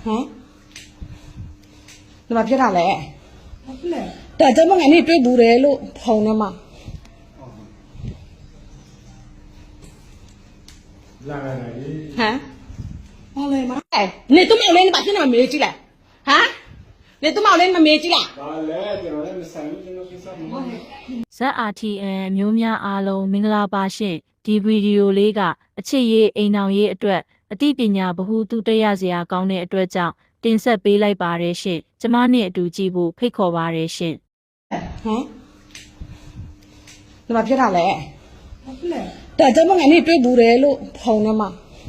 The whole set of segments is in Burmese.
ဟမ်ဒီမှာဖြစ်တာလေဒါကြောင့်မငါနေတွေ့ဘူးတယ်လို့ဖုံထဲမှာလာလာလေဟမ်ဘာလဲမနေသူ့မောင်လေးနဲ့ဘာဖြစ်နေမှာမေးကြည့်လိုက်ဟမ်နေသူ့မောင်လေးမမေးကြည့်လိုက်ဘာလဲကျွန်တော်လည်းမဆိုင်ဘူးကျွန်တော်ကိစ္စမဟုတ်ဘူး ZRTN မျိုးများအားလုံးမင်္ဂလာပါရှင်ဒီဗီဒီယိုလေးကအချစ်ရေးအိမ်အောင်ရေးအတွက်အသိပညာဗဟုသုတရစရာကောင်းတဲ့အတွက်ကြောင့်တင်ဆက်ပေးလိုက်ပါတယ်ရှင်ကျမနဲ့အတူကြည့်ဖို့ဖိတ်ခေါ်ပါတယ်ရှင်ဟမ်ဒီမှာဖြစ်တာလေဒါကြောင့်မငါနေတွေ့ဘူးတယ်လို့ဖုံထဲမှာ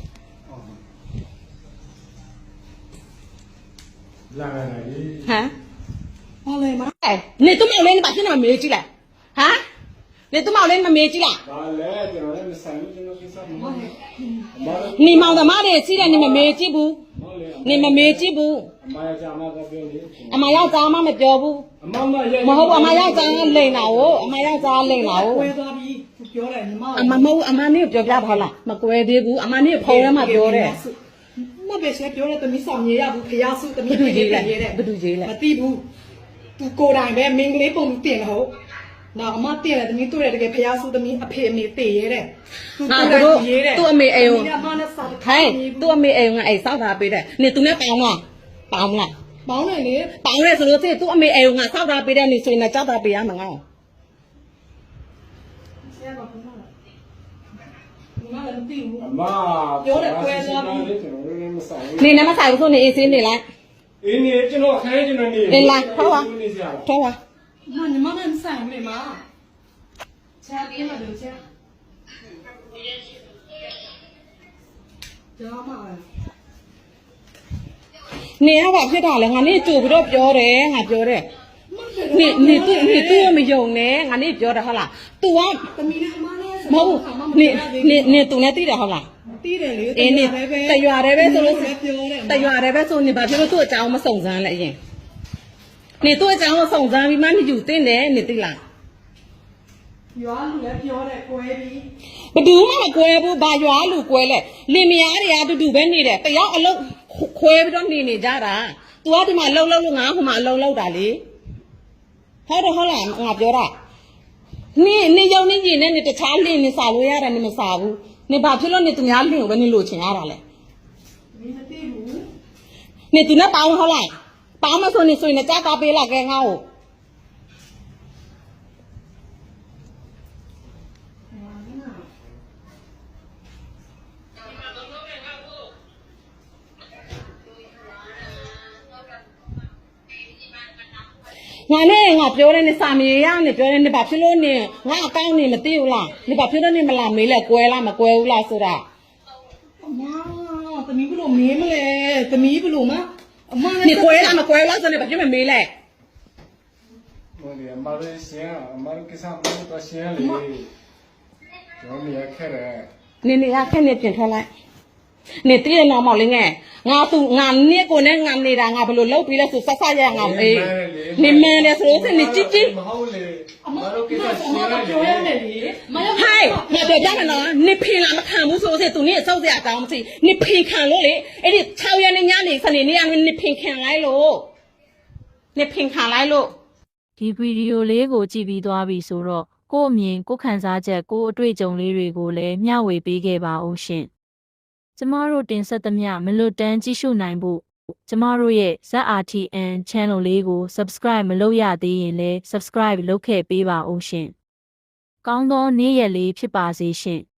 လာလာလေဟမ်ဘာလဲမနေသူ့မောင်လေးနဲ့ဘာဖြစ်နေမှာမေးကြည့်လိုက်ဟမ်နေသူ့မောင်လေးမမေးကြည့်လိုက်ဘာလဲကျွန်တော်လည်းမဆိုင်ဘူးကျွန်တော်ကိစ္စမဟုတ်ဘူးနေမောင်သမားတွေစီးတယ်နေမမေးကြည့်ဘူးနေမမေးကြည့်ဘူးအမယောက်ျားမကပြောလေအမယောက်ျားမမပြောဘူးအမမရဲ့မဟုတ်ဘူးအမယောက်ျားလိန်တာကိုအမယောက်ျားလိန်တာကိုကွဲသွားပြီပြောတယ်ညီမအမမဟုတ်အမနေပြောပြပါလားမကွဲသေးဘူးအမနေဖုံထဲမှာပြောတယ်မပဲဆက်ပြောတယ်တမီးဆောင်ရေရဘူးဖျားစုတမီးဘယ်သူကြီးလဲဘယ်သူကြီးလဲမသိဘူးသူကိုယ်တိုင်ပဲမင်းကလေးပုံတင်တယ်ဟုတ်နော်အမတင်တယ်တမီးတွေ့တယ်တကယ်ဖျားစုတမီးအဖေအမေတည်ရဲတဲ့သူတို့သူ့အမေအိမ်ကိုအမနဲ့စာတခိုင်းသူ့အမေအိမ်ကအဲ့စောက်တာပေးတယ်နေသူနဲ့ပေါင်းလားပေါင်းလားပေါင်းတယ်လေပေါင်းရဲဆိုလို့သူ့အမေအိမ်ကစောက်တာပေးတယ်နေဆိုရင်ကြောက်တာပေးရမှာငါ့ဆရာကဘုရားညီမလည်းမသိဘူးအမပြောတယ်ကွဲသွားပြီကျွန်တော်လည်းမဆိုင်ဘူးနေနဲ့မဆိုင်ဘူးဆိုနေအေးစင်းနေလိုက်အေးနေကျွန်တော်ခိုင်းကျွန်တော်နေနေလိုက်ထောက်ပါထောက်ပါညီမလည်းမဆိုင်ဘူးလေမချာပြေးမှာတို့ချာကြောက်မှာနေရပါဖြစ်တာလေငါနေကြိုပြီးတော့ပြောတယ်ငါပြောတယ်နေသူ့မယုံနဲ့ငါနေပြောတယ်ဟုတ်လား तू ကတမီးလေးအမနဲ့မဟုတ်နေသူနဲ့သိတယ်ဟုတ်လားတီးတယ်လေအေးနေတရွာတယ်ပဲဆိုလို့ပြောတယ်တရွာတယ်ပဲဆိုနေဘာဖြစ်လို့သူ့အကြောင်းမစုံစမ်းလဲအရင်နေသူ့အကြောင်းကိုစုံစမ်းပြီးမှနေယူတင်တယ်နေသိလားရွာလူလည်းပြောတယ်ကွဲပြီးဘယ်သူမှမကွဲဘူးဘာရွာလူကွဲလဲလင်မယားတွေအတူတူပဲနေတယ်တယောက်အလုံးခွဲပြီးတော့နေကြတာ तू ကဒီမှာလှုပ်လို့ငါဟိုမှာအလုံးလောက်တာလေဟုတ်တယ်ဟုတ်လားငါပြောတာနေရုံနေကြီးနဲ့နေတခြားလင်းနေစားလို့ရတယ်နေမစားဘူးနေဘာဖြစ်လို့နေသူများလင်းကိုပဲနေလို့ချင်ရတာလဲမသိဘူးနေသူနဲ့ပေါင်းဟုတ်လားပေါင်းမဆိုနေဆိုရင်ကြားတာပေးလာခဲ့ငါ့ကိုငါနဲ့ငါပြောတယ်နေစာမေးရနေပြောတယ်နေဘာဖြစ်လို့နေငါအကောင့်နေမသိဘူးလားနေဘာဖြစ်လို့နေမလာမေးလဲကွဲလားမကွဲဘူးလားဆိုတာအမသမီးဘလို့မေးမလဲသမီးဘလို့မအမနေကွဲလားမကွဲလားဆိုနေဘာဖြစ်မမေးလဲဟိုလေအမလေးရှင်းအမလေးကိစ္စမဟုတ်တော့ရှင်းလေကျွန်တော်နေရခဲ့တယ်နေရခက်နေပြင်ထွက်လိုက်နေတည့်ရနော်မောင်လေးငယ်ငါသူငါနေကိုနဲ့ငါနေတာငါဘယ်လိုလုပ်ပြီးလဲဆိုဆက်ဆက်ရငါမေးနေမန်းလေဆိုလို့စနေကြည့်ကြည့်မဟုတ်လေအမတို့ကိစ္စရှင်းရတယ်ပြောရတယ်လေမရဟိုင်ငါပြောပြမယ်နော်နေဖင်လာမခံဘူးဆိုလို့သူနေစောက်စရာတောင်းမသိနေဖင်ခံလို့လေအဲ့ဒီ6ရက်နေညနေစနေနေရနေဖင်ခံလိုက်လို့နေဖင်ခံလိုက်လို့ဒီဗီဒီယိုလေးကိုကြည့်ပြီးသွားပြီဆိုတော့ကို့အမြင်ကိုခံစားချက်ကိုအတွေ့အကြုံလေးတွေကိုလည်းမျှဝေပေးခဲ့ပါဦးရှင်ကျမတို့တင်ဆက်သမျှမလွတ်တမ်းကြည့်ရှုနိုင်ဖို့ကျမတို့ရဲ့ ZRTN channel လေးကို subscribe မလုပ်ရသေးရင်လည်း subscribe လုပ်ခဲ့ပေးပါဦးရှင်။ကောင်းသောနေ့ရက်လေးဖြစ်ပါစေရှင်။